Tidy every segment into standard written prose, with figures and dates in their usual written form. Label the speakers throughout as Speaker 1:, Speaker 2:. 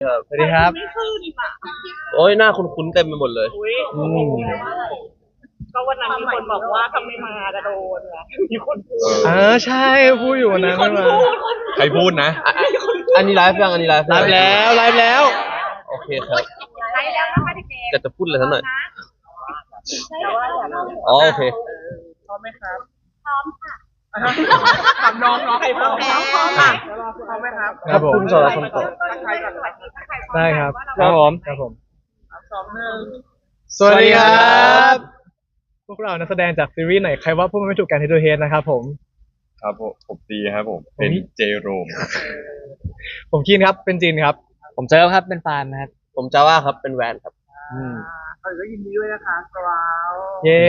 Speaker 1: สวัสดีครับ
Speaker 2: ไม่ขึ้นอ่ะ
Speaker 3: โอ้ยหน้าคุ้นๆเต็มไปหมดเลย
Speaker 2: อุ้ยก็วันนั้นมีคนบอกว่าถ้าไม่มาจะโดนไงมีคนพูด
Speaker 1: ใช่พูดอยู่วันนั้นไม่มา
Speaker 4: ใครพูดนะ
Speaker 3: อันนี้ไลฟ์ยังอันนี้ไลฟ์
Speaker 1: แล้ว
Speaker 3: โอเคครับ
Speaker 2: ไลฟ์แล้วนะคะเด็ก
Speaker 3: จะพูดอะไรสักหน่อย
Speaker 2: แต่ว่าอย่าเรา
Speaker 3: อ๋อโอเค
Speaker 2: พร้อมไหมครับพร้อมค่ะถามน้องใครพร้อมค่ะพร้อมไหมครับ
Speaker 1: ครับผม
Speaker 3: คุณสอนคนต่อ
Speaker 1: ได้ครับ
Speaker 2: 2 1
Speaker 1: สวัสดีครับพวกเรานักแสดงจากซีรีส์ไหนใครว่าพวกมันไม่ถูกกันเฮดทูเฮดนะครับผม
Speaker 4: ครับผมตีครับผมเป็นเจโรม
Speaker 1: ผมคินครับเป็นจินครับ
Speaker 5: ผมเจอครับเป็นฟานนะครับ
Speaker 3: ผมจาว่าครับเป็นแวนครับ
Speaker 2: ก็ยินดีด้วยนะคะกราว
Speaker 1: เย้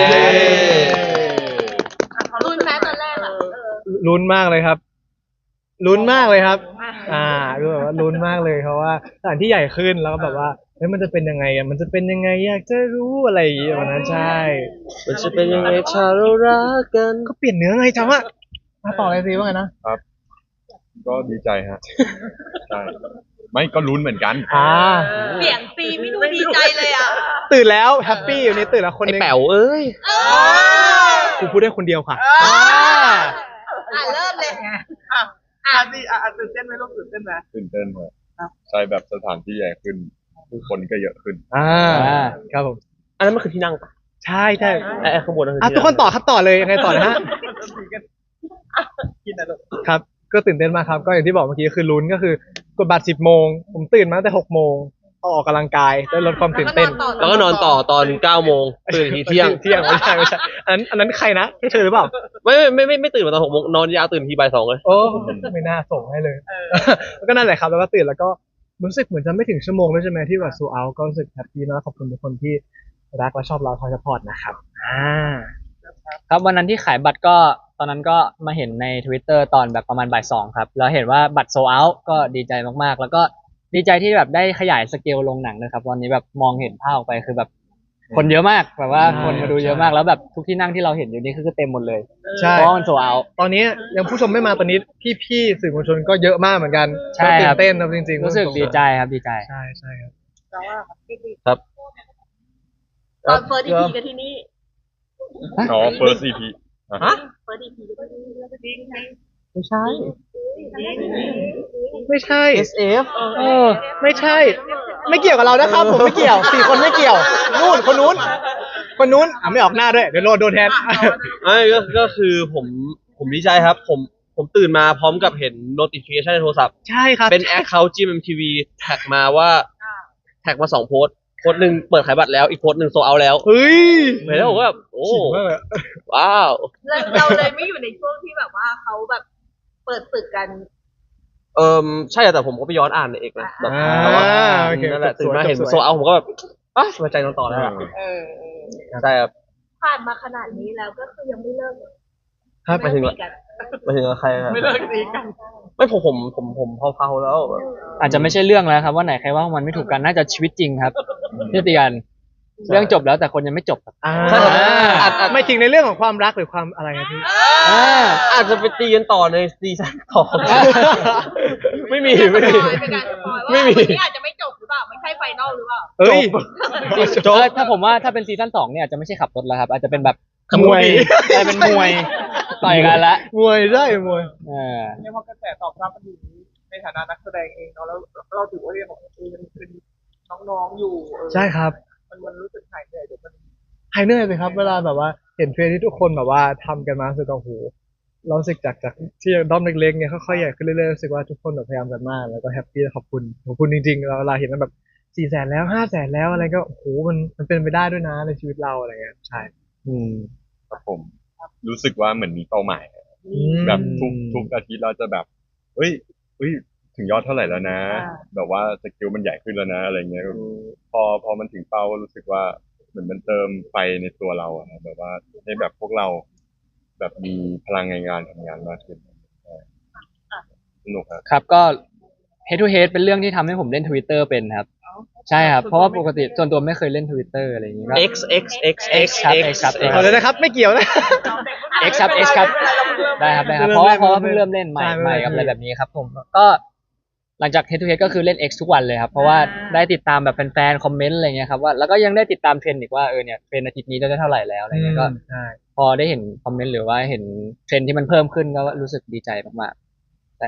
Speaker 2: ลุ้นแม้ตอนแรกอ่ะ
Speaker 1: ลุ้นมากเลยครับลุ้นมากเลยครับรู้แบบว่าลุ้นมากเลยเพราะว่าสถานที่ใหญ่ขึ้นแล้วก็แบบว่าเฮ้ยมันจะเป็นยังไงอ่ะมันจะเป็นยังไงอยากจะรู้อะไรอย่างเงี้ยวันนั้นใช่
Speaker 3: มันจะเป็นยังไงชาเรารักกัน
Speaker 1: ก็เปลี่ยนเนื้อไงจำว่ามาต่อเลยสิว่าไงนะครับ
Speaker 4: ก็ดีใจฮะใช่ไม่ก็ลุ้นเหมือนกัน
Speaker 2: เสียงตีไม่ดูดีใจเลยอ่ะ
Speaker 1: ตื่นแล้วแฮปปี้อยู่นี่ตื่นแล้วคนนึง
Speaker 3: ไอ้แป๋วเอ้ย
Speaker 1: กูพูดได้คนเดียวค่ะ
Speaker 2: เริ่มเลยตื่นเต้นไหมลูกตื่นเต้นไหม
Speaker 4: ตื่นเต้นครับใช่แบบสถานที่ใหญ่ขึ้นผู้คนก็เยอะขึ้น
Speaker 1: ครับผม
Speaker 3: อันนั้นมันคือที่นั่ง
Speaker 1: ใช่
Speaker 3: ไอ้ข้างบนนั่นคือ
Speaker 1: ทุกคนต่อครับต่อเลยยังไงต่อนะฮะครับก็ตื่นเต้นมากครับก็อย่างที่บอกเมื่อกี้คือลุ้นก็คือกดบัตร10 โมงผมตื่นมาตั้งแต่6 โมงออกกำลังกายได้ลดความตื่นเต้น
Speaker 3: แล้วก็นอนต่อตอน9 โมงตื่นทีเที่ยง
Speaker 1: ไม่ใช่อันนั้นใครนะให้เธอหรือเปล่า
Speaker 3: ไม่ตื่นมาตอน6 โมงนอนยาวตื่นทีบ่าย 2เลย
Speaker 1: โอ้ไม่น่าส่งให้เลยแล้วก็นั่นแหละครับแล้วก็ตื่นแล้วก็รู้สึกเหมือนจะไม่ถึงชั่วโมงด้วยใช่ไหมที่แบบโซเอาก็รู้สึกแฮปปี้มากขอบคุณทุกคนที่รักและชอบเราคอยซัพพอร์ตนะครับ
Speaker 5: ครับวันนั้นที่ขายบัตรก็ตอนนั้นก็มาเห็นใน Twitter ตอนแบบประมาณบ่าย 2ครับแล้วเห็นว่าบัตรโซเอาก็ดีใจมากๆแล้วก็ดีใจที่แบบได้ขยายสเกลลงหนังนะครับวันนี้แบบมองเห็นภาพออกไปคือแบบคนเยอะมากแบบว่าคนมาดูเยอะมากแล้วแบบทุกที่นั่งที่เราเห็นอยู่นี่คือเต็มหมดเลย
Speaker 1: ใช่
Speaker 5: เพราะมันโซเอา
Speaker 1: ตอนนี้ยังผู้ชมไม่มาตอนนี้พี่ๆสื่อมวลชนก็เยอะมากเหมือนกัน
Speaker 5: ใช่ครับ
Speaker 1: ตื่นเต้นครับจริงๆ
Speaker 5: รู้สึกดีใจครับดีใจ
Speaker 1: ใช่ครับ
Speaker 3: ครับ
Speaker 2: ตอนเฟิร์ส EP กันที่นี่
Speaker 4: เฟิร์ส EP
Speaker 2: เฟิร์ส EP กันที่นี่แล้วก็ดิ้ง
Speaker 1: ไม่ใช่SF ไม่ใช่ไม่เกี่ยวกับเรานะครับผมไม่เกี่ยว4 คนไม่เกี่ยวนู่นคนนู้นไม่ออกหน้าด้วยเดี๋ยวโดนแทน
Speaker 3: ก็คือผมดีใจครับผมตื่นมาพร้อมกับเห็น notification ในโทรศัพท์
Speaker 1: ใช่ครับ
Speaker 3: เป็น account GMMTV แท็กมาว่าแท็กมา2 โพสต์หนึ่งเปิดขายบัตรแล้วอีกโพสต์หนึ่งโซเอาแล้ว
Speaker 1: เฮ้ย
Speaker 3: เห็นแล้วผมก็แบบโอ้ว้าว
Speaker 2: เราเลยไม่อยู่ในช่วงที่แบบว่าเขาแบบเปิดศึกกัน
Speaker 3: ใช่แต่ผมก็ไปย้อนอ่านในเอกนะแบบนั่นแหละตื่นมาเห็นโซเอาผมก็แบบสบายใจนอนต่อแล้วใช่ครับ
Speaker 2: ผ่านมาขนาดนี้แล้วก็คือยังไม่เลิก
Speaker 3: ครับไปถึงใครครับ
Speaker 2: ไม่เลิกตีกัน
Speaker 3: ไม่ผมเผาแล้ว
Speaker 5: อาจจะไม่ใช่เรื่องแล้วครับว่าไหนใครว่ามันไม่ถูกกันน่าจะชีวิตจริงครับที่ตีกันเรื่องจบแล้วแต่คนยังไม่จบ
Speaker 1: ไม่จริงในเรื่องของความรักหรือความอะไรครับพี่
Speaker 3: อาจจะไปตีกันต่อในซีซั่นต่อไม่มี
Speaker 2: อาจจะไม่จบหรือเปล่าไม่ใช่ไฟนอลหรือเปล่า
Speaker 5: จบถ้าผมว่าถ้าเป็นซีซั่น 2เนี่ยอาจจะไม่ใช่ขับรถแล้วครับอาจจะเป็นแบบมวยจะเป็นมวยต่อยกันละ
Speaker 1: มวยได้มวย
Speaker 2: เนี่ยพอกระแสตอบรับมันดีในฐานะนักแสดงเองแล้วเราถือว่าเรื่องของเป็นน้องๆอยู่
Speaker 1: ใช่ครับ
Speaker 2: มันรู้สึกหายเหนื่อย
Speaker 1: หายเหนื่อยเลยครับเวลาแบบว่าเห็นเทรนที่ทุกคนแบบว่าทำกันมารู้สึกว่าโหเรารู้สึกจากที่ด้อมเล็กๆเนี่ยค่อยๆใหญ่ขึ้นเรื่อยๆรู้สึกว่าทุกคนแบบพยายามกันมากแล้วก็แฮปปี้ขอบคุณจริงๆเราเวลาเห็นมันแบบ400,000แล้ว500,000แล้วอะไรก็โอ้โหมันเป็นไปได้ด้วยนะในชีวิตเราอะไรเงี้ยใช่
Speaker 4: ครับผมรู้สึกว่าเหมือนมีเป้าหมายแบบทุกอาทิตย์เราจะแบบเฮ้ยถึงยอดเท่าไหร่แล้วนะแบบว่าสกิลมันใหญ่ขึ้นแล้วนะอะไรเงี้ยพอมันถึงเป้ารู้สึกว่าเหมือนมันเติมไฟในตัวเราอะแบบว่าให้แบบพวกเราแบบมีพลังในงานทำงานมากขึ้นสนุก
Speaker 5: ครับก็ Head to Head เป็นเรื่องที่ทำให้ผมเล่น Twitter เป็นครับใช่ครับเพราะว่าปกติส่วนตัวไม่เคยเล่น Twitter อะไรอย่างงี้ครับ
Speaker 3: X
Speaker 5: ครับ
Speaker 1: ขอเลยนะครับไม่เกี่ยวนะ
Speaker 5: X ครับได้ครับเพราะว่าเพิ่งเริ่มเล่นใหม่กับอะไรแบบนี้ครับผมก็หลังจาก Head to Head ก็คือเล่น X ทุกวันเลยครับเพราะว่าได้ติดตามแบบแฟนๆคอมเมนต์อะไรเงี้ยครับว่าแล้วก็ยังได้ติดตามเทรนด์อีกว่าเนี่ยเทรนด์อาทิตย์นี้ได้เท่าไหร่แล้วอะไรเงี้ยก็
Speaker 1: ใช่
Speaker 5: พอได้เห็นคอมเมนต์หรือว่าเห็นเทรนด์ที่มันเพิ่มขึ้นก็รู้สึกดีใจมากๆแต่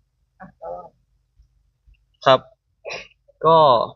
Speaker 3: ครับ ก็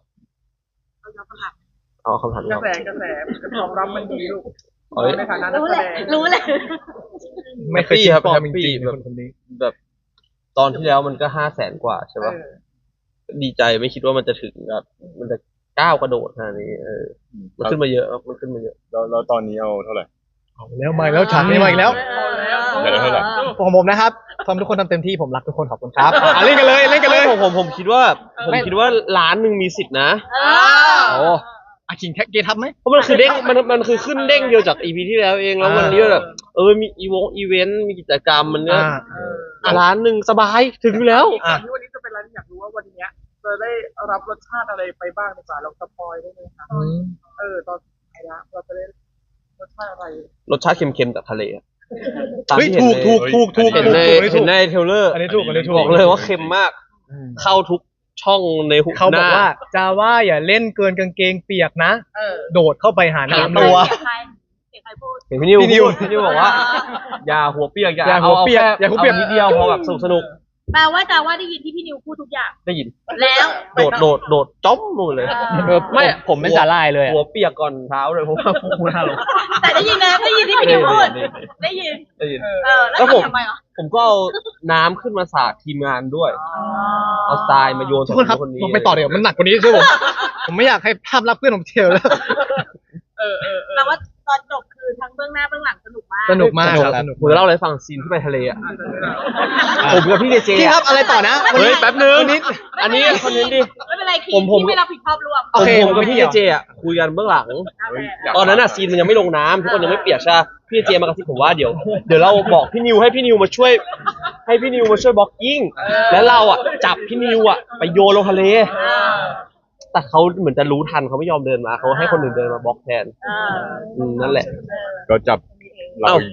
Speaker 2: เอาคำถาม
Speaker 3: เอาคำถาม
Speaker 2: ก
Speaker 3: นี้
Speaker 2: ระ
Speaker 3: ครับ
Speaker 2: แสตอบรับมันดีลูก
Speaker 3: เอ้ย
Speaker 2: ในฐานะนัก
Speaker 6: รู้
Speaker 2: แส
Speaker 6: เลย
Speaker 2: ดง
Speaker 6: รู้เลย
Speaker 1: ไม่เคยคิด
Speaker 3: ครับ
Speaker 1: ปลอมจ
Speaker 3: แฮปปี้
Speaker 1: ริงๆ
Speaker 3: แบบ
Speaker 1: คนนี้
Speaker 3: แบบตอนที่แล้วมันก็500,000 กว่าใช่ปะดีใจไม่คิดว่ามันจะถึงแบบมันจะก้าวกระโดดขนาดนี้มันขึ้นมาเยอะครับมันขึ้นมาเยอะ
Speaker 4: แล้วตอนนี้เอาเท่าไหร่
Speaker 1: เอาแล้วมาอีกแล้วฉากนี้มาอีกแล้ว
Speaker 4: เดี๋ยวเท่าไหร่
Speaker 1: ของผมนะครับทำทุกคนทำเต็มที่ผมรักทุกคนขอบคุณครับเล่นกันเลยเล่นกันเลย
Speaker 3: ผมคิดว่าล้านหนึ่งมีสิทธินะ
Speaker 1: โอ้อาคิงแท็กเกทับไหม
Speaker 3: เพราะมันคือเด้งมันคือขึ้นเด้งเดียวจาก EP ที่แล้วเองแล้ววันนี้แบบมีอีเวนต์มีกิจกรรมมันเนี่ยล้านหนึ่งสบายถึงอยู่แล้ว
Speaker 2: ก่อนที่วันนี้จะเป็นร้านอยากรู้ว่าวันเนี้ยจะได้รับรสชาติอะไรไปบ้างในสายลองสปอยได้ไหมคะตอนไหนละเราจะได้รสชาติอะไร
Speaker 3: รสชาติเค็มๆจากทะเลอะตาม
Speaker 1: เฮ้ย
Speaker 3: ที่เห็น
Speaker 1: ถูก
Speaker 3: ใน
Speaker 1: ถูก
Speaker 3: เห็นในเทรลเลอร์
Speaker 1: อันนี้ถูก
Speaker 3: บอกเลยว่าเค็มมาก เข้าทุกช่องในหุบ
Speaker 1: เขา
Speaker 3: ห
Speaker 1: บอก
Speaker 3: น้า
Speaker 1: ว่าจาว่าอย่าเล่นเกินกางเกงเปียกนะ โดดเข้าไปหา
Speaker 3: หา
Speaker 1: น้ำ
Speaker 3: ตั
Speaker 1: ตัว ว
Speaker 6: เสียงใครพูด
Speaker 3: เห็นพี่นิว
Speaker 1: พี่นิว
Speaker 3: พี่นิวบอกว่า อย่าหัวเปียก
Speaker 1: อย่าหัวเปียกอย่าหัวเปียก
Speaker 3: นิดเดียวพอแบบสนุก
Speaker 6: แปลว่าจาว่าได้ยินที่พี่นิวพูดทุกอย่าง
Speaker 3: ได้ยิน
Speaker 6: แล้ว
Speaker 3: โดดจ้อมลงเลย
Speaker 5: ไม่ผมเป็นสาลายเลยอะ
Speaker 3: หัวเปียกก่อนเท้าเลยเพราะว่าพูดหน้าลง
Speaker 6: แต่ได้ยินนะได้ยินที่พี่นิวพูดได้ยิน
Speaker 3: ได้ยิน
Speaker 6: แล้ว
Speaker 3: แล้วผม
Speaker 6: ทำไมอ่ะ
Speaker 3: ผมก็เอาน้ำขึ้นมาสาดทีมงานด้วย เอาทรายมาโยน
Speaker 1: ทุกคนครับ
Speaker 3: คนนี้
Speaker 1: ลงไปต่อเดี๋ยวมันหนักกว่านี้ใช่ผมผมไม่อยากให้ภาพลับเพื่อนผมเที่ยวแล้ว
Speaker 6: แปลว่าตอนจบคือทั้งเบื้องหน้าเบื้องหลังสนุกมาก
Speaker 1: สนุกมาก
Speaker 3: สนุก
Speaker 1: ครับ
Speaker 3: ครับ
Speaker 1: สนุก
Speaker 3: ผมจะเล่าอะไรให้ฟังซีนที่ไปทะเลอ่ะผมกับพี่เจเจ
Speaker 1: พี่ครับอะไรต่อนะ
Speaker 3: เฮ้ยแป๊บนึง
Speaker 1: นิด
Speaker 3: อันนี้คอนเทนต์ดิ
Speaker 6: ไม่เป็นไรคิด
Speaker 3: ผม
Speaker 6: ที่ไม่รับผิดชอบรวม
Speaker 1: โอเค
Speaker 3: ผมกับพี่เจเจอ่ะคุยกันเบื้องหลัง ตอนนั้นอ่ะซีนมันยังไม่ลงน้ำทุกคนยังไม่เปียกใช่ปะพี่เจมากระซิบผมว่าเดี๋ยวเราบอกพี่นิวให้พี่นิวมาช่วยบล็อกกิ้งแล้วเราอ่ะจับพี่นิวอ่ะไปโยนลงทะเล แต่เขาเหมือนจะรู้ทันเขาไม่ยอมเดินมาเขาให้คนอื่นเดินมาบล็อกแทนนั่นแหละ
Speaker 4: ก็จับเรา
Speaker 3: เอ้า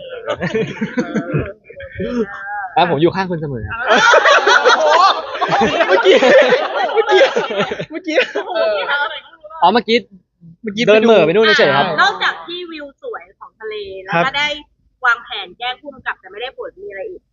Speaker 5: แล้วผมอยู่ข้างคุณเสมอครับ
Speaker 1: เมื่อกี้
Speaker 5: อ๋อเมื่อกี้เดินเหม่อไปนู่นเฉยๆครับ
Speaker 6: นอกจากที่วิวสวยของทะเลแล้วก็ได้วางแผนแจ้งผู้กำกับแต่ไม่ได้ผลมีอะไรอีก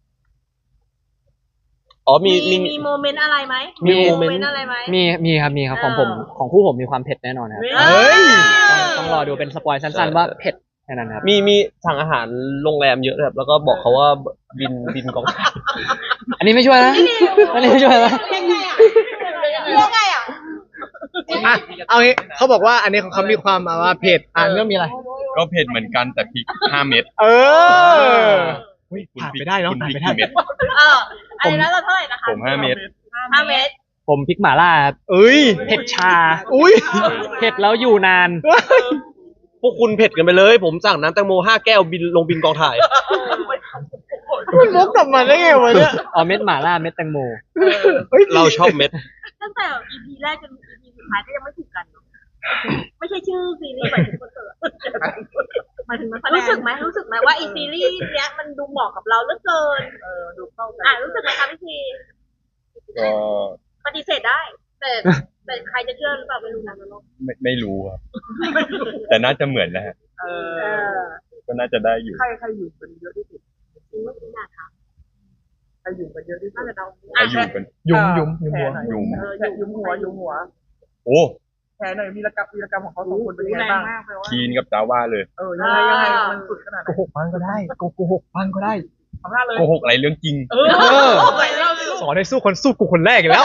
Speaker 3: อ๋อมี
Speaker 6: มีโมเมนต์อะไรไหม
Speaker 3: มีโม
Speaker 6: โม
Speaker 3: เมนต์
Speaker 6: เมนต์อะไรไหม
Speaker 5: มีครับของผมของคู่ผมมีความเผ็ดแน่นอนครับ
Speaker 1: เฮ้ย
Speaker 5: ต้องรอดูเป็นสปอยสั้นๆว่าเผ็ดแค่นั้นครับ
Speaker 3: มีสั่งอาหารโรงแรมเยอะเลยครับแล้วก็บอกเขาว่าบินกอง
Speaker 5: อันนี้ไม่ช่วยนะอันนี้ไม่ช่วยนะ
Speaker 6: ยังไงอ่ะ
Speaker 1: อ่ะเอางี้เขาบอกว่าอันนี้ของเขามีความว่าเผ็ดเรื่องมีอะไร
Speaker 4: ก็เผ็ดเหมือนกันแต่พริก5 เม็ด
Speaker 1: เออผ่านไปได้เนาะ
Speaker 4: คุณ
Speaker 1: ผ่าน
Speaker 4: พริก
Speaker 1: ไปได้
Speaker 4: กี่เม็ด
Speaker 6: อันนี้แล้วเราเท่าไหร่นะคะ
Speaker 4: ผม5 เม็ด
Speaker 6: 5 เมตร
Speaker 5: ผมพริกหม่าล่าครับ
Speaker 1: เอ้ย
Speaker 5: เผ็ดชา
Speaker 1: อุ้ย
Speaker 5: เผ็ดแล้วอยู่นาน
Speaker 3: พวกคุณเผ็ดกันไปเลย ผมสั่งน้ำแตงโม5 แก้วบินกองถ่าย
Speaker 1: มันมุกกลับมาได้ไงวะเนี่ย
Speaker 5: อ๋อเม็ดหม่าล่าเม็ดแตงโม
Speaker 3: เราชอบเม็ด
Speaker 6: ตั้งแต่ EP แรกจน EP สุดท้ายก็ยังไม่ถูกกันเนอะไม่ใช่ชื่อซีรีส์หมายถึงคนเกิดหมายถึงนักแสดงรู้สึกไหมว่าอีซีรีส์เนี้ยมันดูเหมาะกับเราเหลือเกิน
Speaker 2: ดูเข้ากัน
Speaker 6: รู้สึกไหมคะพี่ที
Speaker 4: ก็
Speaker 6: ปฏิเสธได้ แต่ใครจะเชื่อหรือเปล่าไม่รู้นะน้อง
Speaker 4: ไม่รู้ครับ แต่น่าจะเหมือนนะฮะก็น่าจะได้อยู่
Speaker 2: ใครอยู่กันเยอะที่สุด
Speaker 6: จริงไม่จริงอะค่ะ
Speaker 2: ใครอยู่กันเยอะที่สุ
Speaker 6: น่า
Speaker 2: ด
Speaker 6: จะเดา
Speaker 4: ใครอยู่กัน
Speaker 1: ยุมหัว
Speaker 4: ยุม
Speaker 2: ยุมหัว
Speaker 4: โอ้
Speaker 2: แผลหน่อยวีรกรรมของเขา2 คนเป็นยังไงบ้าง
Speaker 4: คีนกับจาว่าเลย
Speaker 2: ยังไงมันสุดขนาดไห
Speaker 1: โก
Speaker 2: น
Speaker 1: หกบ้างก็ได้โกหกบ้างก็ได้
Speaker 2: ทำหน้าเลย
Speaker 4: โกหกอะไรเรื่องจริง
Speaker 1: สอนให้สู้คนสู้กูคนแรกอีกแล้ว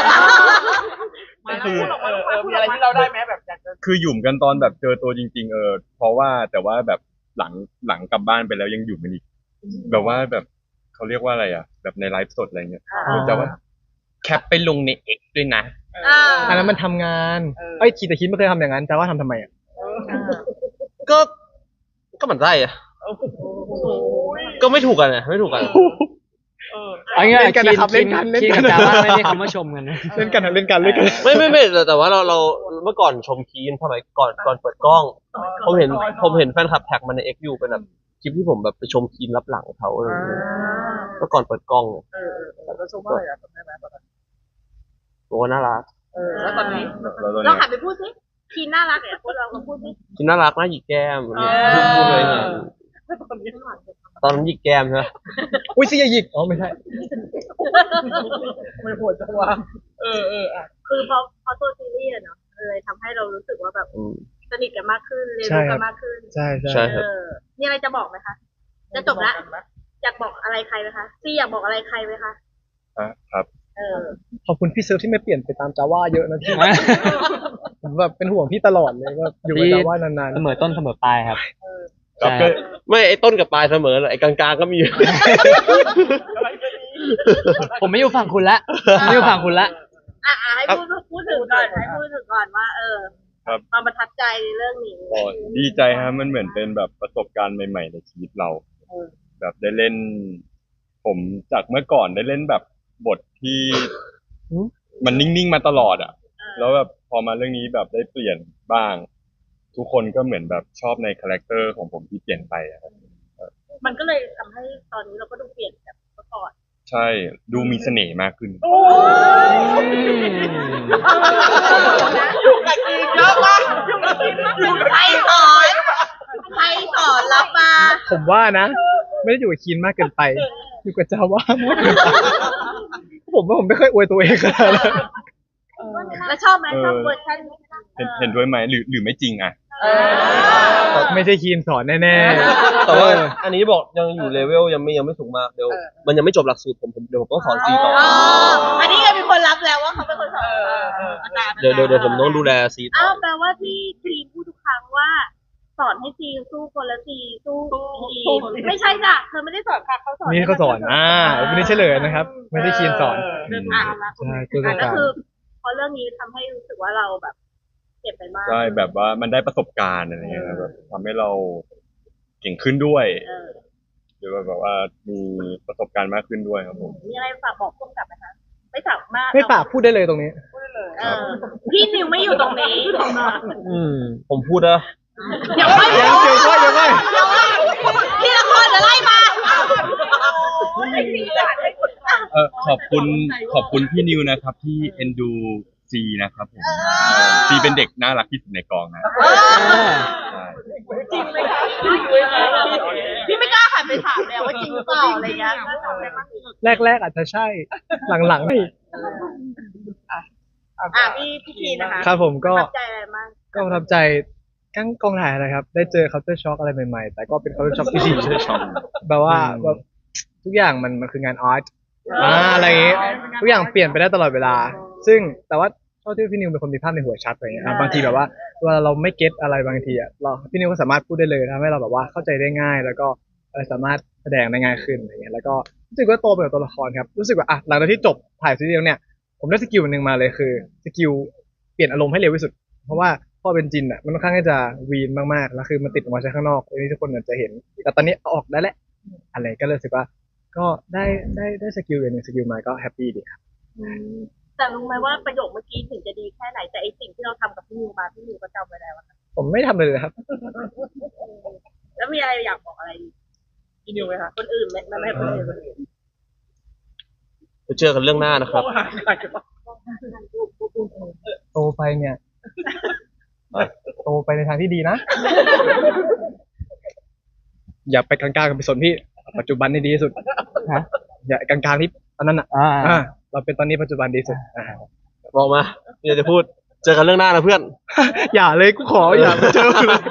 Speaker 2: มีอะไรที่เราได้ไหมแบบอยากจะ
Speaker 4: คือหยุ่มกันตอนแบบเจอตัวจริง ๆ เพราะว่าแต่ว่าแบบหลังกลับบ้านไปแล้วยังหยุ่มกันอีกแบบว่าแบบเขาเรียกว่าอะไรอ่ะ แบบในไลฟ์สดอะไรเงี้ยจะว่าแคปไปลงใน X ด้วยนะ
Speaker 1: อันนั้นมันทำงานคิดแต่คิดไม่เคยทำอย่างนั้นแต่ว่าทำไมอ่ะ
Speaker 3: ก็เหมือนไส้อะก็ไม่ถูกกันนะไม่ถูกกัน
Speaker 5: เอางี้
Speaker 1: เล่นกันนะครับเล่นกัน
Speaker 5: คิดกับจาว่าไม่ได้คำว่าชมกันนะ
Speaker 1: เล่นกันเล่นกัน
Speaker 3: ไม่แต่ว่าเราเมื่อก่อนชมคีนสมัยก่อนเปิดกล้อง ผมเห็นแฟนคลับแท็กมาใน X อยู่เป็นแบบคลิปที่ผมแบบไปชมคีนรับหลังเขาอะไรอย่างเงี้ยเมื่อก่อนเปิดกล้อง
Speaker 2: แต่ก็ชมว่าอะไรอ่ะจำได้ไหมตอนนั้น
Speaker 3: โอ้น่ารัก
Speaker 2: แล้วตอนนี้
Speaker 4: แล้วตอน
Speaker 6: เรา
Speaker 4: นี้
Speaker 6: หันไปพูดสิคีนน่ารักเนี่ยพวกเราพูดสิ
Speaker 3: คิมน่ารักนะหยิกแก้มเนี่ยพูดเลยเนี่ยตอนนั้นหยิกแก้มใช่ไหม
Speaker 1: อุ้ยเสียหยิกอ๋อไม่ใช่
Speaker 2: ไม่โหดจังวะอ่ะ
Speaker 6: คือพอตัวซีรีส์อะเนาะเลยทำให้เรารู้สึกว่าแบบ
Speaker 3: อืม
Speaker 6: สนิทกันมากขึ้นเรียน
Speaker 1: ใช่
Speaker 6: รู้
Speaker 1: ครั
Speaker 6: กับ นมากขึ้น
Speaker 1: ใช่ใช่
Speaker 3: ใช่ครับ
Speaker 6: มีอะไรจะบอกไหมคะจะจบละอยากบอกอะไรใครไหมคะซีอยากบอกอะไรใครไหมคะ
Speaker 4: ครับ
Speaker 1: ขอบคุณพี่เซิร์ฟที่ไม่เปลี่ยนไปตามจาว่าเยอะนะพี่ ผมแบบเป็นห่วงพี่ตลอดเลยว่าอยู่กับจาว่านาน
Speaker 5: เสมอต้นเสมอปลายครับ
Speaker 4: ครับ
Speaker 5: ใช่
Speaker 4: ก็
Speaker 3: ไม่ไอ้ต้นกับปลายเสมอเลยไอ้กลางๆก็มี
Speaker 5: ผมไม่อยู่ฝั่งคุณละไม่อยู่ฝั่งคุณละ
Speaker 6: ให้พูดถึงก่อนให้พูดถึงก่อนว่า
Speaker 4: ครับ
Speaker 6: ความประทับใจในเรื่องนี้
Speaker 4: ก็ดีใจฮะมันเหมือนเป็นแบบประสบการณ์ใหม่ๆในชีวิตเรา แบบได้เล่น ผมจากเมื่อก่อนได้เล่นแบบบทที่มันนิ่งๆมาตลอดอ่ะ แล้วแบบพอมาเรื่องนี้แบบได้เปลี่ยนบ้าง ทุกคนก็เหมือนแบบชอบในคาแรคเตอร์ของผมที่เปลี่ยนไปอะครับ
Speaker 6: มันก็เลยทำให้ตอนนี้เราก็ดูเปลี่ยนจากเมื่อก่อน
Speaker 4: ใช่ดูมีเสน่ห์มากขึ้น
Speaker 2: อยู่กับจีนเยอะมากอยู่กับจีนมาก
Speaker 6: ใครสอนใครสอนรับมา
Speaker 1: ๆผมว่านะ ไม่ได้อยู่กับคีนมากเกินไป อยู่กับจาว่ามากเกินไปผมว่าผมไม่ค่อยอวยตัวเองขนาดนั้น
Speaker 6: แล้วชอบไหมชอบเวอร์ชันนี้
Speaker 4: เห็นด้วยไหมหรือไม่จริงอ่ะ
Speaker 1: ไม่ใช่คีนสอนแน่
Speaker 3: แต่ว่าอันนี้บอกยังอยู่เลเวลยังไม่สูงมากเดี๋ยวมันยังไม่จบหลักสูตรผมเดี๋ยวผมต้องสอนซีต่อ
Speaker 6: อันนี้ก็มีคนรับแล้วว่าเขาเป็นคนสอนอาจารย์
Speaker 3: เดี๋ยวผมต้องดูแลซีต่อ
Speaker 6: อ้าวแปลว่าที่ทีมพูดทุกครั้งว่า สอนให้ซีสู้คนละซีสู้ทีมไม่ใช่จ้ะเธอไม่ได้สอนค่ะเขาสอน
Speaker 1: ๆนี่เขาสอนวันนี้เฉลยนะครับ ไม่ได้คีนสอน
Speaker 6: อ่ะ
Speaker 1: ใช่ตัว
Speaker 6: ก็
Speaker 1: การ
Speaker 6: คือพอเรื่องนี้ทำให้รู้สึกว่าเราแบบเจ็บไปมาก
Speaker 4: ใช่แบบว่ามันได้ประสบการณ์อะไรเงี้ยครับแบบทำให้เราเก่งขึ้นด้วย หรือว่าแบบว่ามีประสบการณ์มากขึ้นด้วยครับผม
Speaker 6: มีอะไรฝากบอกพุ่มกับไหมคะไม่ฝากมาก
Speaker 1: ไม่ปากพูดได้เลยตรงนี้
Speaker 6: พี่นิวไม่อยู่ตรงนี้
Speaker 3: ผมพูดนะ
Speaker 6: เดี๋ยวค่อย
Speaker 1: เดี๋ยวค่อย
Speaker 6: พี่ละครจะไล่มา
Speaker 4: ขอบคุณพี่นิวนะครับที่เอ็นดูซีนะครับผมซีเป็นเด็กน่ารักที่สุดในกองนะใช่
Speaker 6: จริงไหมคะพี่ไม่กล้าหันไปถามแล้วว่าจริงหรือเปล่าอะไรเงี้ย
Speaker 1: แรกๆอาจจะใช่ หลังๆไม่
Speaker 6: พี่คีนะคะ
Speaker 1: ครับผมก็
Speaker 6: ประทับใจอะไรมาก
Speaker 1: ก็ประทับใจกั้งกองถ่ายนะครับ ได้เจอ culture shock อะไรใหม่ๆ แต่ก็เป็น culture shock ที่ดีแบบว่าแบบทุกอย่างมันคืองานอาร์ตอะไรอย่างงี้ทุกอย่างเปลี่ยนไปได้ตลอดเวลา ซึ่งแต่ว่าเท่าที่พี่นิวเป็นคนมีภาพในหัวชัดอะไรอย่างเงี้ยครับบางทีแบบว่าเวลาเราไม่เก็ตอะไรบางทีอ่ะเราพี่นิวก็สามารถพูดได้เลยทำให้เราแบบว่าเข้าใจได้ง่าย แล้วก็สามารถแสดงได้ง่ายขึ้นอะไรเงี้ยแล้วก็รู้สึกว่าโตไปกับตัวละครครับรู้สึกว่าหลังจากที่จบถ่ายซีรีส์แล้วเนี่ยผมได้สกิลหนึ่งมาเลยคือสกิลเปลี่ยนอารมณ์ให้เร็วที่สุด เพราะว่าพอเป็นจินอ่ะมันค่อนข้างที่จะวีนมากๆแล้วคือมันติดออกมาใช้ข้างนอกอันนี้ทุกคนอาจจะเห็น แต่ตอนนี้เอาออกได้แล้วอะไรก็เลยรู้สึกว่า ก็ได้สกิลอย่างหนึ่งสกิลมาก็แฮปปี้ดีครับ
Speaker 6: แต่รู้ไหมว่าประโยคเมื่อกี้ถึงจะดีแค่ไหนแต่ไอสิ่งที่เราทำกับพี่นิวมาพี่นิวก็จำไว้แล้วอะ
Speaker 1: ผมไม่ทำเลยครับ
Speaker 6: แล้วมีอะไรอยากบอกอะไร
Speaker 2: พี่นิวไหมคะ
Speaker 6: คนอื่นไหมไม่คนอื่น
Speaker 3: ไปเจอกันเรื่องหน้านะครับ
Speaker 1: โตไปเนี่ยโตไปในทางที่ดีนะ อย่าไปกลางๆกับไปสนพี่ ปัจจุบันนี่ดีที่สุดอย่ากลางๆที่ตอนนั้นเราเป็นตอนนี้ปัจจุบันดีสุด
Speaker 3: บอกมาเดี๋ยวจะพูดเจอกันเรื่องหน้านะเพื่อน
Speaker 1: อย่าเลยกูขออย่าไปเจอเลย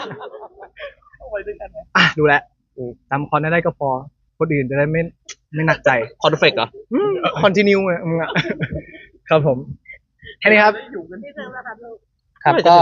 Speaker 1: ดูแลจำคอนได้ก็พอคนอื่นจะได้ไม่หนักใจ
Speaker 3: คอนเฟกเหรอ
Speaker 1: คอนติเนียมึงอ่ะครับผมแค่นี้ครับ
Speaker 6: พี่เซิร์ฟนะคะลูก
Speaker 5: ครับก็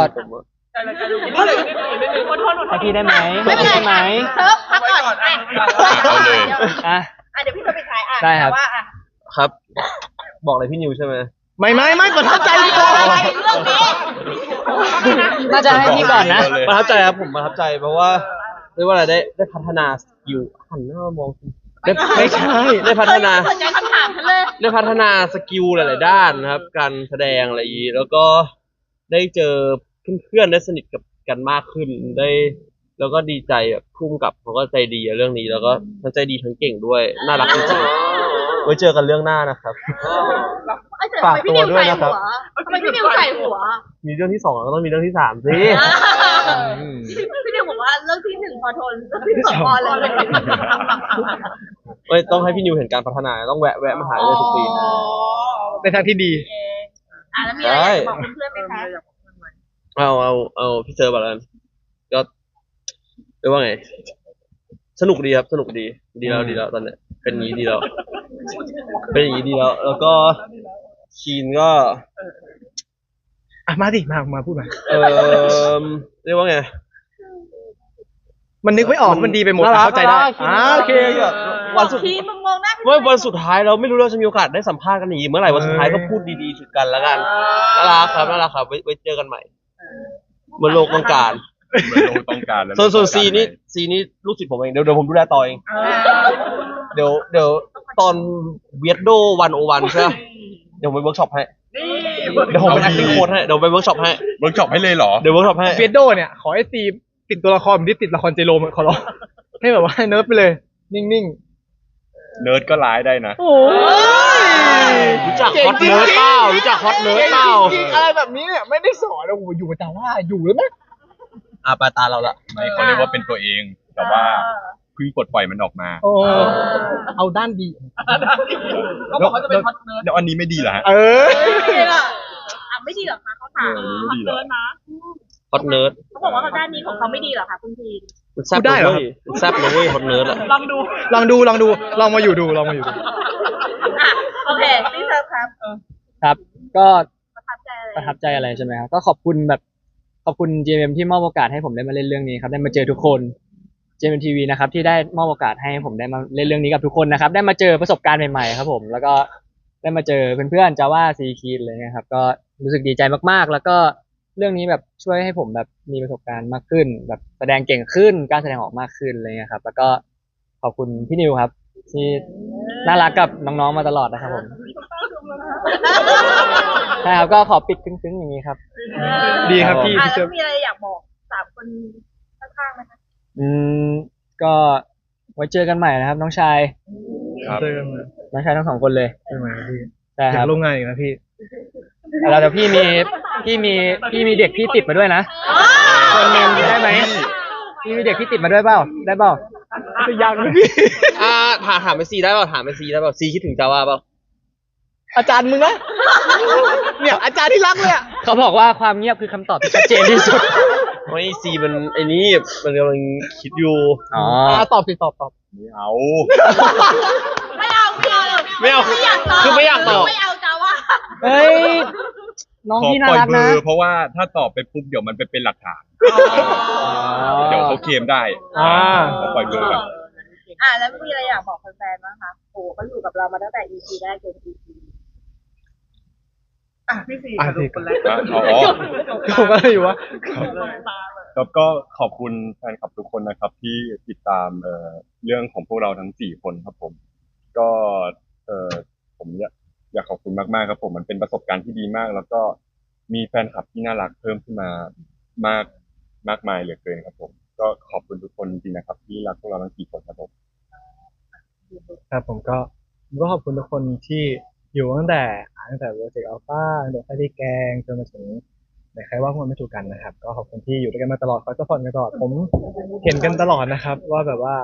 Speaker 2: ให้
Speaker 5: ให้พี่ได้ไหม
Speaker 6: ไม่เป็นไร
Speaker 5: ได้ไหม
Speaker 6: เซิร์ฟพักก่อน
Speaker 4: เอาเลย
Speaker 5: อ่ะ
Speaker 6: เดี๋ยวพี่จะไปถ่ายอ่ะ
Speaker 5: ได้ครับ
Speaker 6: ว่า
Speaker 3: ครับ บอกอะไรพี่นิวใช่ไหม
Speaker 1: ไม่ประทับใจก่อน
Speaker 6: อะไรเรื่องนี้
Speaker 5: น่าจะให้พี่ก่อนนะ
Speaker 3: ประทับใจครับผมประทับใจเพราะว่าเรียกว่าอะไรได้พัฒนาสกิลหันหน้ามามอง
Speaker 1: ไม่ใช่
Speaker 3: ได้พัฒนา
Speaker 6: สนใจคำถามฉันเลย
Speaker 3: ได้พัฒนาสกิลหลาย ๆ ด้านนะครับ การแสดงอะไรอย่างนี้แล้วก็ได้เจอเพื่อนๆได้สนิทกับกันมากขึ้นได้ แล้วก็ดีใจแบบพุ่มกับเขาก็ใจดีอะเรื่องนี้ แล้วก็ทั้งใจดีทั้งเก่งด้วยน่ารักจริงไว้เจอกันเรื่องหน้านะครับ
Speaker 6: เอ้ยแต่ทำไมพี่นิวใส่หัวทำไมพี่นิวใส่หัว
Speaker 3: มีเรื่องที่สองแล้วก็ต้องมีเรื่องที่สามสิ
Speaker 6: พี่นิวบอกว่าเรื่องที่หนึ่งพอทนเรื่องที่สองพอเลย
Speaker 3: ไม่ต้องให้พี่นิวเห็นการพัฒนาต้องแวะมาหาเลยทุกปี
Speaker 1: ในทางที่ดี
Speaker 6: แล้วมีอะไรอยากบอกเพื่อนๆไหมคะ
Speaker 3: เอาพี่เจอแบบนั้นก็เรียกว่าไง สนุกดีครับสนุกดีแล้วตอนเนี้ยเป็นอย่างนี้ดีแล้วเป็นอย่างนี้ดีแล้วแล้วก็คีนก็
Speaker 1: อ่ะมาดิมาพูดมา
Speaker 3: เรียกว่าไง
Speaker 1: มันนึกไม่ออกมันดีไปหมด
Speaker 3: น่ารัก
Speaker 1: เข้าใจได้
Speaker 3: โอเควันสุด
Speaker 6: ทีมึงมองหน้า
Speaker 3: วันสุดท้ายเราไม่รู้เราจะมีโอกาสได้สัมภาษณ์กันอีกเมื่อไหร่วันสุดท้ายก็พูดดีๆถึงกันแล้วกันน่ารักครับไว้เจอกันใหม่บนโลกต้องการ
Speaker 4: เหมือนโลกต้องการแล้ว
Speaker 3: ส่วนซีนี่ลูกศิษย์ผมเองเดี๋ยวผมดูแลต่อเองเดี๋ยวตอนเวียดโด101ใช่ไหมเดี๋ยวผมไปเวิร์กช็อปให้
Speaker 2: นี่
Speaker 3: เดี๋ยวผมเป็น acting coach ให้เดี๋ยวไปเวิร์กช็อปให้
Speaker 4: เวิร์กช็อปให้เลยเหรอ
Speaker 3: เดี๋ยวเวิร์กช็อปให้
Speaker 1: เฟียโดเนี่ยขอให้ซีติดตัวละครเหมือนที่ติดละครเจโรมขอร้องให้แบบว่าเนิร์ฟไปเลย นิ่ง
Speaker 4: เนิร์ดก็ร้ายได้นะ
Speaker 1: ๆ โอ้ย
Speaker 3: รู้จักฮอตเนิร์ดเปล่ารู้จักฮอตเนิร์ดเปล่า
Speaker 1: จริงๆอะไรแบบนี้เนี่ยไม่ได้สอนโอ้โหอยู่แต่ว่าอยู่แล้วไหม
Speaker 3: ปลายตาเราละ
Speaker 4: ไม่เขาเรียกว่าเป็นตัวเอง แต่ว่าเพิ่งปลดปล่อยมันออกมา
Speaker 1: โอ้เอาด้านดี
Speaker 2: เขาบอกเขาจะเป็นฮอตเนิร์ด
Speaker 4: แล้วอันนี้ไม่ดีเหรอฮะ
Speaker 1: เออ
Speaker 6: ไม่ดีเหรอคะเขาถาม
Speaker 4: ไม่ดีเหรอ
Speaker 3: ฮอตเนิร์ด
Speaker 6: เขาบอกว่าด้านนี้ของเขาไม่ดีเหรอคะคุณทีน
Speaker 3: มันแซ่บเลยเว้ยมันแซ่บเลยเว้ยฮอตเนิร์ดอะ
Speaker 2: ลองดู
Speaker 1: ลองดูลองมาอยู่ดู
Speaker 6: โอเคพี่เซิร์ฟครับ
Speaker 5: ครับ ก็
Speaker 6: ประทับใจอะไร
Speaker 5: ประทับใจอะไรใช่ไหมครับก็ขอบคุณ GMM ที่มอบโอกาสให้ผมได้มาเล่นเรื่องนี้ครับได้มาเจอทุกคน GMM TV นะครับที่ได้มอบโอกาสให้ผมได้มาเล่นเรื่องนี้กับทุกคนนะครับได้มาเจอประสบการณ์ใหม่ๆครับผมแล้วก็ได้มาเจอเพื่อนๆจาว่าซีคีดอะไรเงี้ยครับก็รู้สึกดีใจมากๆ แล้วก็เรื่องนี้แบบช่วยให้ผมแบบมีประสบการณ์มากขึ้น แบบแสดงเก่งขึ้นกล้าแสดงออกมากขึ้นอะไรเงี้ยครับแล้วก็ขอบคุณพี่นิวครับที่น่ารักกับน้องๆมาตลอดนะครับผมใช่ครับก็ขอปิดซึ้งๆอย่างนี้ครับ
Speaker 1: ดีครับพี่
Speaker 6: แล้
Speaker 1: พี่เซิร์
Speaker 6: ว
Speaker 1: ฟ
Speaker 6: มีอะไรอยากบอกสามคนข้างๆไหมคะ
Speaker 5: ก็ไว้เจอกันใหม่นะครับ น้องชาย
Speaker 4: ครับ
Speaker 1: เจอกันมา
Speaker 5: น้องชายทั้งสองคนเลย
Speaker 1: ใช่ไหมพี่
Speaker 5: ใช่
Speaker 1: อ
Speaker 5: ค
Speaker 1: ยา
Speaker 5: รับ
Speaker 1: กร่วมงานอีกนะพี่
Speaker 5: แล้วเดี๋ยวพี่มีเด็กพี่ติดมาด้วยนะคนหนึงได้ไหมพี่มีเด็กพี่ติดมาด้วยเปล่าได้เปล่า
Speaker 1: จะยังนะพี่
Speaker 3: ถามไปซีได้เปล่าถามไปซีได้เปล่าซีคิดถึงจาว่าเปล่า
Speaker 1: อาจารย์มึงนะเนี่ยอาจารย์ที่รักเลยอ่ะ
Speaker 5: เขาบอกว่าความเงียบคือคำตอบที่ชัดเจนที่สุด
Speaker 3: ไม่ซีมันไอ้นี่มันกำลังคิดอยู่
Speaker 5: อ๋อ
Speaker 1: ตอบสิตอบ
Speaker 4: ไม่เอา
Speaker 6: ไม่เอา
Speaker 3: ไม่เอา
Speaker 6: ไม่อยากตอบ
Speaker 3: คือไม่อยากตอบ
Speaker 6: ไม่เอาจ้าว่า
Speaker 5: เฮ้ยน้อง
Speaker 4: ขอ
Speaker 5: พี่น่า
Speaker 4: ปล่อย
Speaker 5: รัก
Speaker 4: เบอ
Speaker 5: นะ
Speaker 4: ร์เพราะว่าถ้าตอบไปปุ๊บเดี๋ยวมันไปเป็นหลักฐาน เดี๋ยวเขาเคลมได้ ขอปล่อยเบอร์ก่อน
Speaker 6: แล้วมีอะไรอยากบอกแฟนๆบ้างคะโอ้เขาอยู่กับเรามาตั้งแต่ EP แรกจน EP
Speaker 2: พี่สี่
Speaker 1: อ่ะ
Speaker 2: สรุ
Speaker 1: พี่
Speaker 2: ปคนแรก
Speaker 4: อ๋อ
Speaker 1: ผมก็เลยอยู่ว่า
Speaker 4: ครับก็ขอบคุณแฟนคลับทุกคนนะครับ ที่ติดตามเรื่องของพวกเราทั้ง4คนครับผม ก็ผมอยากขอบคุณมากๆครับผมมันเป็นประสบการณ์ที่ดีมาก แล้วก็มีแฟนคลับที่น่ารักเพิ่มขึ้นมามากมายเหลือเกินครับผม ก็ขอบคุณทุกคนจริงๆนะครับ ที่รักพวกเราทั้ง4คนครับผม
Speaker 1: ครับผมก็ขอบคุณทุกคนที่อยู่ตั้งแต่โปรเจกต์อัลฟาตั้งแต่ไฟที่แกงจนมาถึงในใครว่าพวกมันไม่ถูกกันนะครับ ก็ขอบคุณที่อยู่ด้วยกันมาตลอดคอยซัพพอร์ตกันตลอดผมเห็นกันตลอดนะครับ ว่าแบบว่า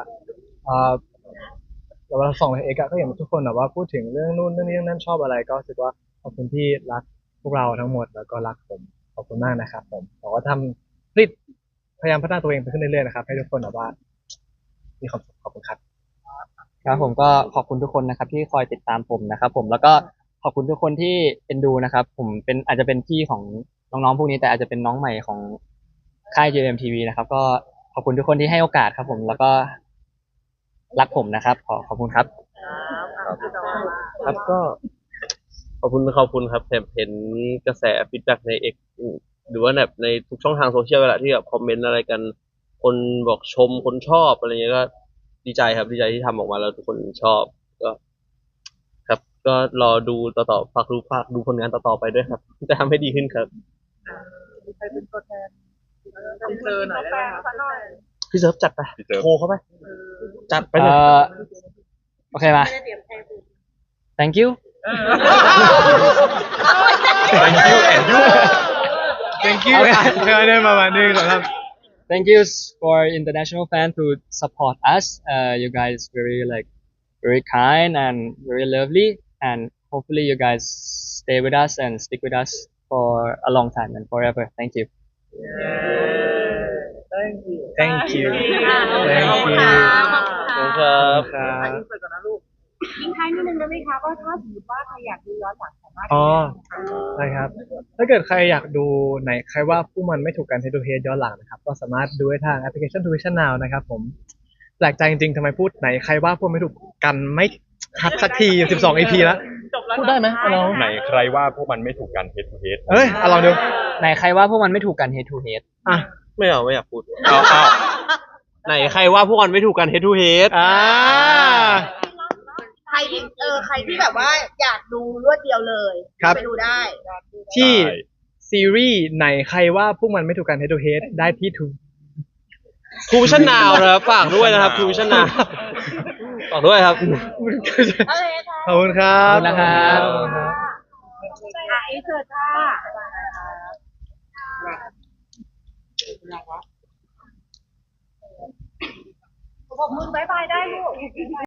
Speaker 1: เวลาส่องในเอกก็เห็นทุกคนแบบว่าพูดถึงเรื่องนู่นเรื่องนี้เรื่องนั้นชอบอะไร ก็รู้สึกว่าขอบคุณที่รักพวกเราทั้งหมดแล้วก็รักผมขอบคุณมากนะครับผมบอกว่าพยายามพัฒนาตัวเองไปขึ้นเรื่อยๆนะครับให้ทุกคนแบบว่ามีความสุขขอบคุณครับ
Speaker 5: ครับผมก็ขอบคุณทุกคนนะครับที่คอยติดตามผมนะครับผมแล้วก็ขอบคุณทุกคนที่เอ็นดูนะครับ ผมเป็นอาจจะเป็นพี่ของน้องๆพวกนี้แต่อาจจะเป็นน้องใหม่ของค่าย JMM TV นะครับ ก็ขอบคุณทุกคนที่ให้โอกาสครับผมแล้วก็รักผมนะครับขอบคุณครับ
Speaker 3: ครับก็ขอบคุณครับเห็นกระแสฟีดแบ็กในเอกหรือว่าแบบในทุกช่องทางโซเชียลเวลาที่แบบคอมเมนต์อะไรกัน คนบอกชมคนชอบอะไรเงี้ยก็ดีใจครับดีใจที่ทำออกมาแล้วทุกคนชอบก็ ครับก็รอดูต่อฝากดูผลงานต่อๆไปด้วยครับจะทำให้ดีขึ้นครับ
Speaker 2: ใครเป็นตัวแทนทีเซอร์หน่อยได้ไหมคะ
Speaker 3: พี่เซิร์ฟจัดไป
Speaker 4: พี่เซิร์ฟ
Speaker 3: โทรเข้าไปจัดไปเลย
Speaker 5: โอเคมา thank you
Speaker 4: thank you and you
Speaker 1: thank you ได้ประมาณนี้ครับ
Speaker 5: thank you for international fan to support us you guys very kind and very lovely and hopefully you guys stay with us and stick with us for a long time and forever thank you
Speaker 1: thank you
Speaker 6: ขอบคุณค่ะขอบคุณ
Speaker 3: ค
Speaker 6: ค่ะ
Speaker 3: รับ
Speaker 1: ครับ
Speaker 2: อินเสิร์ตก่อนนะลูก
Speaker 6: ทิ้งท้ายนิดนึงได้ไหมคะว่าถ้าสมมติว่าใครอยากดูย้อนหลังสามารถ
Speaker 1: อ๋อได้ครับ ถ้าเกิดใครอยากดูไหนใครว่าผู้มันไม่ถูกกัน head to head ย้อนหลังนะครับ ก็สามารถดูได้ทางแอปพลิเคชัน Tuition Now นะครับผมแปลกใจจริงๆทำไมพูดไหนใครว่าผู้ไม่ถูกกันไม่คัดสักที12 EP แล้ว
Speaker 2: จบแล้ว
Speaker 1: พูดได้ไหมเอาลอง
Speaker 4: ไหนใครว่าพวกมันไม่ถูกกัน head to head
Speaker 1: เอ้ยเอาลองดู
Speaker 5: ไหนใครว่าพวกมันไม่ถูกกัน head to head
Speaker 1: อ่ะ
Speaker 3: ไม่เอาไม่อยากพูด
Speaker 4: เอา
Speaker 3: ไหนใครว่าพวกมันไม่ถูกกัน head to head
Speaker 6: ใครที่แบบว่าอยากดูรวดเดียวเลย
Speaker 1: ครับ
Speaker 6: ไปดูได้
Speaker 1: ที่ซีรีส์ไหนใครว่าพวกมันไม่ถูกกัน head to head ได้ที่ทู
Speaker 3: ทูวิชั่นนาวนะครับฝากด้วยนะครับทูวิชั่นนาวฝากด้วยครับ
Speaker 6: อะไรคะ
Speaker 1: ขอบคุณครับ
Speaker 5: ขอบคุณนะครับ
Speaker 6: อินเสิร์ตค่ะบอกมึงบายบายได้ลูก